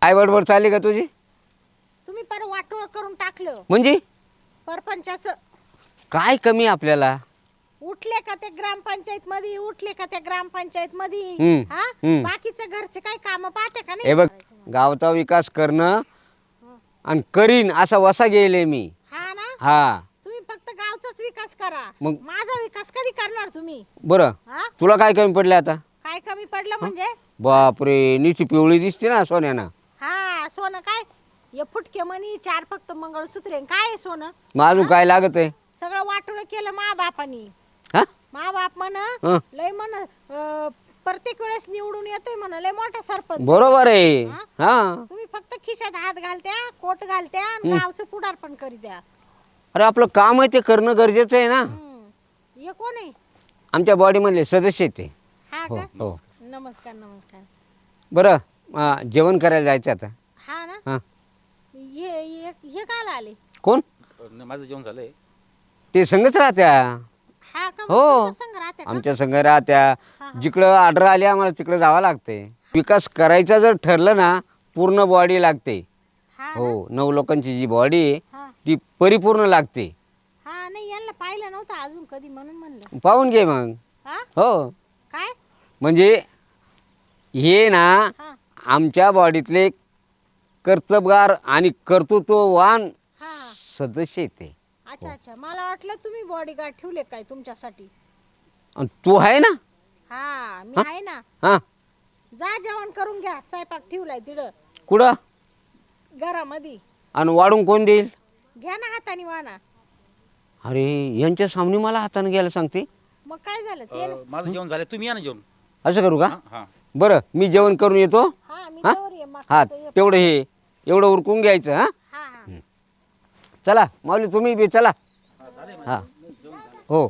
काय बडबड चालली का तुझी? तुम्ही पर वाटोळ करून टाकलं म्हणजे परपंचाचं. काय कमी आपल्याला? उठले का ते ग्रामपंचायत मध्ये, उठले का त्या ग्रामपंचायत मध्ये. हम्म, हा हम्म. बाकीचे घरचे काही काम पाहते का हे नाही? बघ, गावचा विकास करणं हं. आणि करीन असा वसा गेले मी. हा ना, हा तुम्ही फक्त गावचाच विकास करा, मग माझा विकास कधी करणार तुम्ही? बरं, हा तुला काय कमी पडलं आता? काय कमी पडलं हं? म्हणजे? बापरे, नीची पिवळी दिसते ना सोन्यानं. हा सोनं काय? हे फुटके मणी 4 फक्त मंगळसूत्रे काय आहे सोनं? मग अजून काय लागत आहे? सगळं वाटोळ केलं मा बापानी. हा मा बाप म्हण हं. लय म्हण प्रत्येक वेळेस निवडून येतोय म्हण, लय मोठा सरपंच आहे. बरोबर आहे. हा? हा तुम्ही फक्त खिशात हात घालत्या, कोट घालत्या आणि गावचं पुढारपण करी द्या. अरे आपलं काम आहे ते करणं गरजेचं आहे ना. हे कोण आहे? आमच्या बॉडीमधले सदस्य आहेत ते. हा हो का? हो. नमस्कार नमस्कार. बरं, जेवण करायला जायचं आता. हा ना, हां. हे काल आले? कोण? माझं जेवण झालंय. ते संगच राहत्या. हा का? मग हो, तुमच्या संग राहत्या का? आमच्या संघ राहत्या. हा, हा. जिकडं ऑर्डर आली आम्हाला तिकडं जावं लागते. विकास करायचा जर ठरलं ना, पूर्ण बॉडी लागते. हा ना? हो, 9 लोकांची जी बॉडी आहे हा ती परिपूर्ण लागते. हा, नाही यांना पाहिलं नव्हतं अजून कधी म्हणून म्हणलं. पाहून घे मग. हा हो, काय? म्हणजे हे ना हा आमच्या बॉडीतले कर्तबगार आणि कर्तृत्ववान हा हा. सदस्य आहेत ते. अच्छा अच्छा, मला वाटलं तुम्ही बॉडीगार्ड ठेवले काय तुमच्यासाठी. आणि तू आहे ना. हा मी आहे ना. हां, जा जेवण करून घ्या, स्वयंपाक ठेवलाय तिथं कुठं? घरामध्ये. आणि वाढून कोण देईल? घ्या ना हाताने वाना. अरे यांच्या सामने मला हाताने घ्यायला सांगते. मग काय झालं ते ना? माझं जेवण झालं, तुम्ही या ना जेवण. असं करू का? हा हा. बरं, मी जेवण करून येतो. हा मी हा? तोवर ये, हा, मकाचं हे तेवढं हे एवढं उरकून घ्यायचं. हा, हा हा. चला माऊली तुम्ही बी चला. हा हो.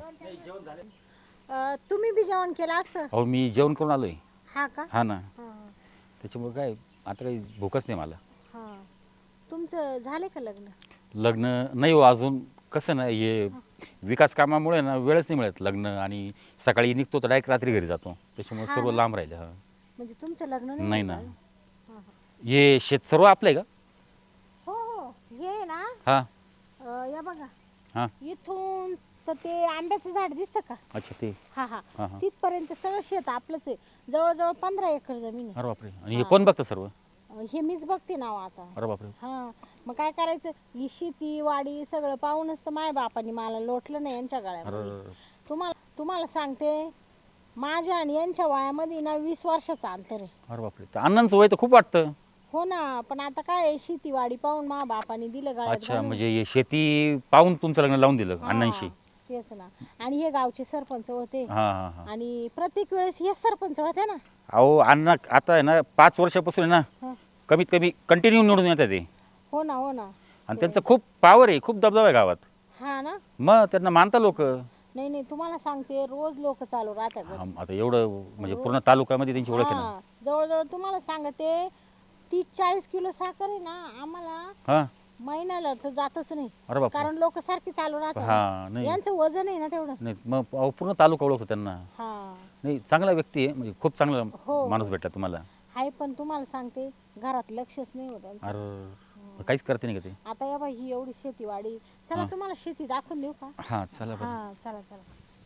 तुम्ही बी जेवण केलं असतं. अहो मी जेवण करून आलोय. हा का? हा ना, हा त्याच्यामुळे काय आता काही भूकच नाही मला. हा. तुमचं झाले का लग्न? लग्न नाही हो अजून. कसं ना हे विकास कामामुळे ना वेळच नाही मिळत लग्न, आणि सकाळी निघतो तर डायरेक्ट रात्री घरी जातो, त्याच्यामुळे हा सर्व ना? लांब राहिलं. हा म्हणजे तुमचं लग्न नाही झालं ना. अजून? हा, हा. हे शेत सर्व आपलं आहे का? हो हो, हे ना हा या बघा, हा. इथून तर ते आंब्याचं झाड दिसतं का? अच्छा ते. हा हा, हा हा. तिथपर्यंत सगळं शेत आपलंच आहे. जवळजवळ 15 एकर जमीन आहे. अरे बापरे, आणि हे कोण बघतं सर्व? हे मीच बघते नाव आता. अरे बापरे. हा, मग काय करायचं, ही शेती वाडी सगळं पाहूनच तर माय बापानी मला लोटलं नाही यांच्या गळ्यामध्ये. अरे तुम्हाला तुम्हाला सांगते, माझ्या आणि यांच्या वयामध्ये ना 20 वर्षाचं अंतर आहे. अरे बापरे, तर अण्णांचं वय तर खूप वाटतं. हो ना, पण आता काय शेती वाडी पाहून मा बापानी दिलं गळ्यात अच्छा, घालून. म्हणजे हे शेती पाहून तुमचं लग्न लावून दिलं हा, अण्णांशी? तेच ना. आणि हे गावचे सरपंच होते, हां हां हां. आणि प्रत्येक वेळेस हेच सरपंच होते ना. अहो अण्णा आता आहे ना 5 वर्षापासून आहे ना, हा. कमीत कमी कंटिन्यू निवडून येतात ते, हो ना हो ना. आणि त्यांचं खूप पावर आहे, खूप दबदबा आहे गावात. हा ना. मग त्यांना मानता लोक. नाही नाही, तुम्हाला सांगते रोज लोक चालू राहतात घरी. आता एवढं म्हणजे पूर्ण तालुक्यामध्ये त्यांची ओळख आहे ना. हा, जवळजवळ तुम्हाला सांगते 30-40 किलो साखर आहे ना आम्हाला हां. महिन्याला तर जातच नाही. अरे बापरे. कारण लोक सारखी चालू राहतात. हां नाही यांचं वजन आहे ना तेवढं. नाही, मग अहो, पूर्ण तालुका ओळखतो त्यांना. हा नाही चांगला व्यक्ती आहे, म्हणजे खूप चांगला हो. माणूस भेटला तुम्हाला. आहे, पण तुम्हाला सांगते घरात लक्षच नाही होत यांचं. अरे काहीच करते नाही का ते? आता या बाई ही एवढी शेतीवाडी, चला हा. तुम्हाला शेती दाखवून देऊ का? हां चला बरं. हा चला चला.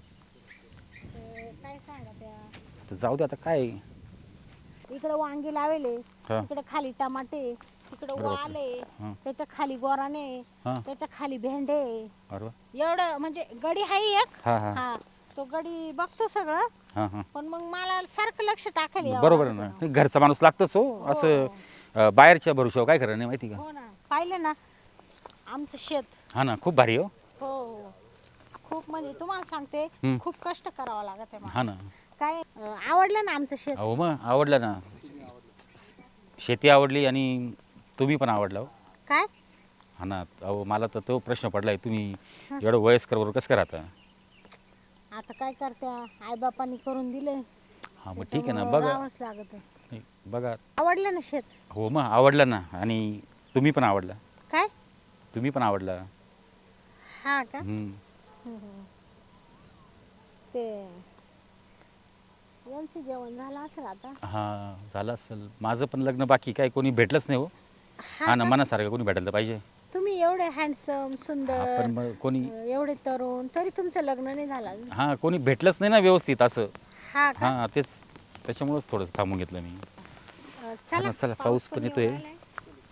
काय सांगा त्या, तर जाऊ दे आता काय. इकडे वांगे लावेले, हा. इकडे खाली टमाटे, तिकडे अरे बापरे. वाले, हा. त्याच्या खाली गोराने, हां. त्याच्या खाली भेंडे. अरे वा. एवढं म्हणजे गडी आहे एक. हां हां हा, तो गडी बघतो सगळं, हां हां. पण मग मला सारखं लक्ष टाकायला यावं बरोबर आहे लागतं. ना, नाही, घरचा माणूस लागतच हो. असं बाहेरच्या भरोशावर काय खरं नाही माहिती का? हो ना, पाहिलं ना आमचं शेत. हा ना, खूप भारी हो. हो, खूप म्हणजे तुम्हाला सांगते हम्म. खूप कष्ट करावं लागत आहे मला. हा ना. काय आवडलं ना आमचं शेत? अहो मग आवडलं ना, शेती आवडली आणि तुम्ही पण आवडला हो. काय हा ना. अहो मला तर तो प्रश्न पडलाय, तुम्ही एवढं वयस्कर बरोबर कसं काय राहता? आता काय करत्या, आईबापांनी करून दिले. हा मग ठीक आहे ना, त्याच्यामुळं बघा. राहावंच लागत. नाही, बघा. आवडलं ना शेत? हो मग आवडलं ना, आणि तुम्ही पण आवडला. काय? तुम्ही पण आवडला. हा का? हम्म. हम्म. ते यांचं जेवण झालं असेल आता. हां झालं असेल. माझं पण लग्न बाकी, काय कोणी भेटलंच नाही हो. हा ना, मनासारखं कोणी भेटायला पाहिजे. तुम्ही एवढे हँडसम सुंदर, पण मग कोणी एवढे तरुण, तरी तुमचं लग्न नाही झालं अजून. हां कोणी भेटलंच नाही ना व्यवस्थित असं. हा का? हां तेच, त्याच्यामुळंच थोडंसं थांबून घेतलं मी. चला चला, पाऊस पण येतोय. येऊन राहिलाय.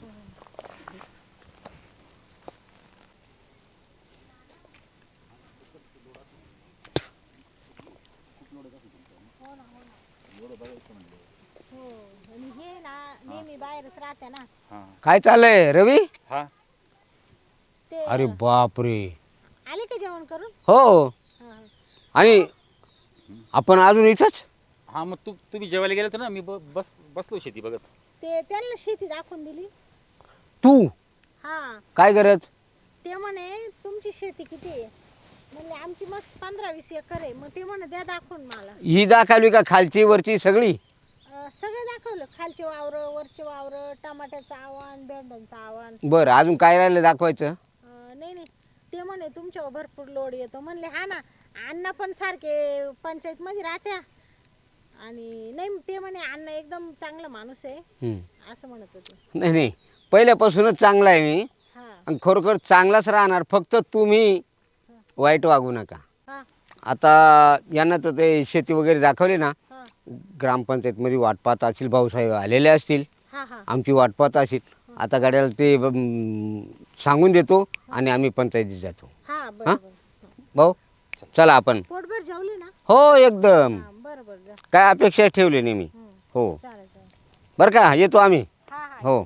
हो, आणि हे ना नेहमी बाहेरच राहते ना हां काय चाललंय रवी? हां ते. अरे बापरे. आले का जेवण करून? हो. हा. आणि आपण अजून इथंच? हां मग तुम्ही जेवायला गेले तर ना, मी बसलो शेती बघत. ते त्यांना शेती दाखवून दिली. तू हा, काय करत? ते म्हणे तुमची शेती किती आहे? म्हणले आमची मस्त 15-20 एकर आहे. मग ते म्हणे द्या दाखवून मला. ही दाखवली का खालची वरची सगळी? सगळं दाखवलं, खालचे वावर, वरचे वावर, टमाट्याचं आव्हान, भेंड्यांचं आव्हान. बरं, अजून काय राहिलं दाखवायचं? नाही नाही, ते म्हणे तुमच्यावर भरपूर लोड येतो. म्हणले हा ना, अण्णा पण सारखे पंचायत मध्ये राहत्या. आणि नाही, ते म्हणे अण्णा एकदम चांगला माणूस आहे हम्म. असं म्हणत होते. नाही नाही, पहिल्यापासूनच चांगला आहे मी हा आणि खरोखर चांगलाच राहणार. फक्त तुम्ही वाईट वागू नका. हा आता यांना तर ते शेती वगैरे दाखवली ना, हा ग्रामपंचायतमध्ये वाट पाहत असतील, भाऊसाहेब आलेले असतील, हा हा आमची वाट पाहत असतील. आता गाड्याला ते सांगून देतो आणि आम्ही पंचायतीत जातो. हा बरोबर. भाऊ चला आपण. पोटभर जेवली ना? हो एकदम. हा बरोबर जा. काय अपेक्षा ठेवली नाही मी. हो चालेल चालेल. बरं का, येतो आम्ही. हा हा. हो.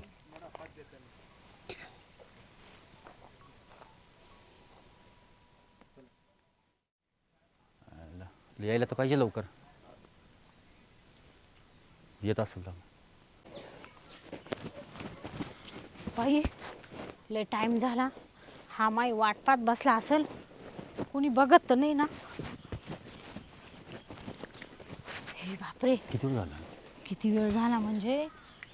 यायला तर पाहिजे लवकर. येत असेल तर. बाई लय टाइम झाला. हा माई वाट पाहत बसला असेल, कोणी बघत तर नाही ना? हे बापरे, किती वेळ झाला? किती वेळ झाला म्हणजे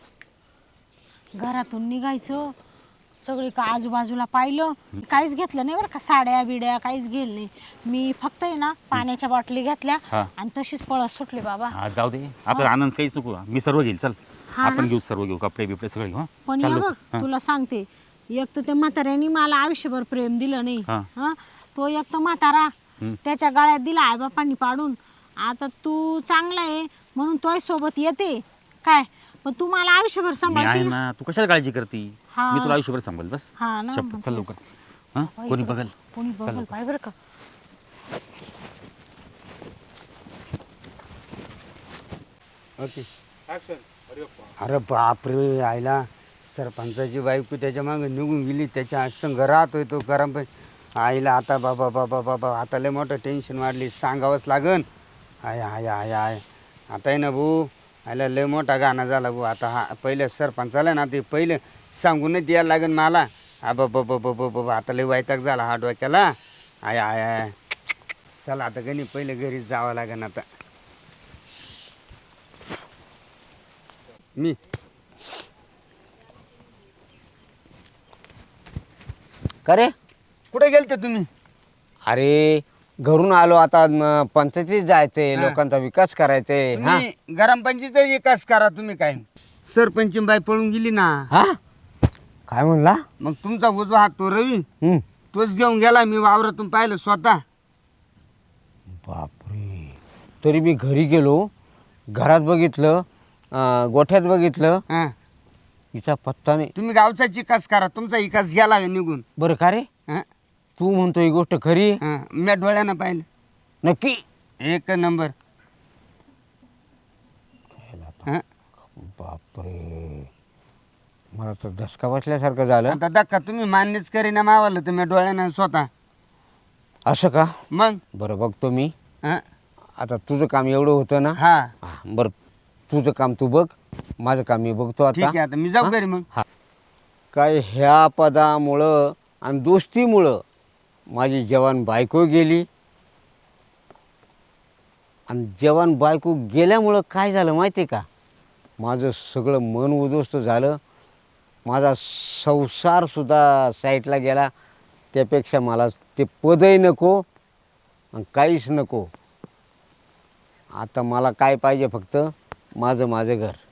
घरातून निघायचं, सगळी का आजूबाजूला पाहिलं, काहीच घेतलं नाही बरं का, साड्या बिड्या काहीच घेतलं नाही. मी फक्त आहे ना पाण्याच्या बाटली घेतल्या हा. आणि तशीच पळत सुटले बाबा. हा जाऊ दे, आपला आनंद काहीच नको. मी सर्व घेईल, चल. हा आपण ना? घेऊ, सर्व घेऊ, कपडे बिपडे सगळे घेऊ. पण चल या लवकर. बघ, तुला सांगते, एक तर त्या म्हाताऱ्याने मला आयुष्यभर प्रेम दिलं नाही. हा. हा, तो एक तर म्हातारा, त्याच्या गळ्यात दिला आईबापांनी पाडून. आता तू चांगला आहे म्हणून तोय सोबत येते काय, पण तू मला आयुष्यभर मी आहे सांभाळशील. ना, तू कशाला काळजी करती? हा. मी तुला आयुष्यभर सांभाळ, बस. हा ना, शपथ, चल मग लवकर. हा, बाई, कोणी इकडं बघल. कोणी बघल लवकर. पाय बरं का. ओके. अरे बापरे, आयला सरपंचाची बायको त्याच्या मागे निघून गेली, त्याच्या संग राहतोय तो गरम. पण आईला आता बाबा बाबा बाबा आता लय मोठं टेन्शन वाढली, सांगावंच लागन. आय आय आय आय आता आहे ना भाऊ, आयला लय मोठा गाणं झाला भाऊ. आता हा पहिलं सरपंचाला ना, ते पहिलं सांगूनच द्यायला लागन मला. बाबा बाबा बाबा आता लय वैताग झाला हा डोक्याला. आय आय आय चला आता गणी पहिले घरी जावं लागन आता. मी का रे, कुठे गेलते तुम्ही? अरे घरून आलो, आता पंचायतीत जायचंय, हा. लोकांचा विकास करायचंय. हा तुम्ही ग्रामपंचायतीचा विकास करा. तुम्ही काय सरपंच बाई पळून गेली ना, हा काय म्हणला? मग तुमचा उजवा हात तो रवी, हम्म. तोच घेऊन गेला. मी वावरातून पाहिलं स्वतः. बापरे, तरी मी घरी गेलो, घरात बघितलं, गोठ्यात बघितलं, हा. हिचा पत्ता नाही. तुम्ही गावचा विकास करा, तुमचा विकास गेला निघून. बरं का रे, हा. तू म्हणतो ही गोष्ट खरी आहे? हा. मी डोळ्यानं पाहिलं, नक्की? एक नंबर. हा. बापरे, मला तर धसका बसल्यासारखं झालं. आता धक्का तुम्ही मान्यच करीना मावाला, तर मी डोळ्यानं स्वतः. असं का? मग बरं बघतो मी. हा. आता तुझं काम एवढं होतं ना. हा हा, बरं तुझं काम तू बघ, माझं काम मी बघतो ठीक आता. आहे, आता मी जाऊ घरी मग. हा. काय ह्या पदामुळं आणि दोस्तीमुळं माझी जवान बायको गेली, आणि जवान बायको गेल्यामुळं काय झालं माहिती आहे का, माझं सगळं मन उद्ध्वस्त झालं. माझा संसारसुद्धा साईटला गेला. त्यापेक्षा मला ते पदही नको आणि काहीच नको. आता मला काय पाहिजे फक्त माझं घर.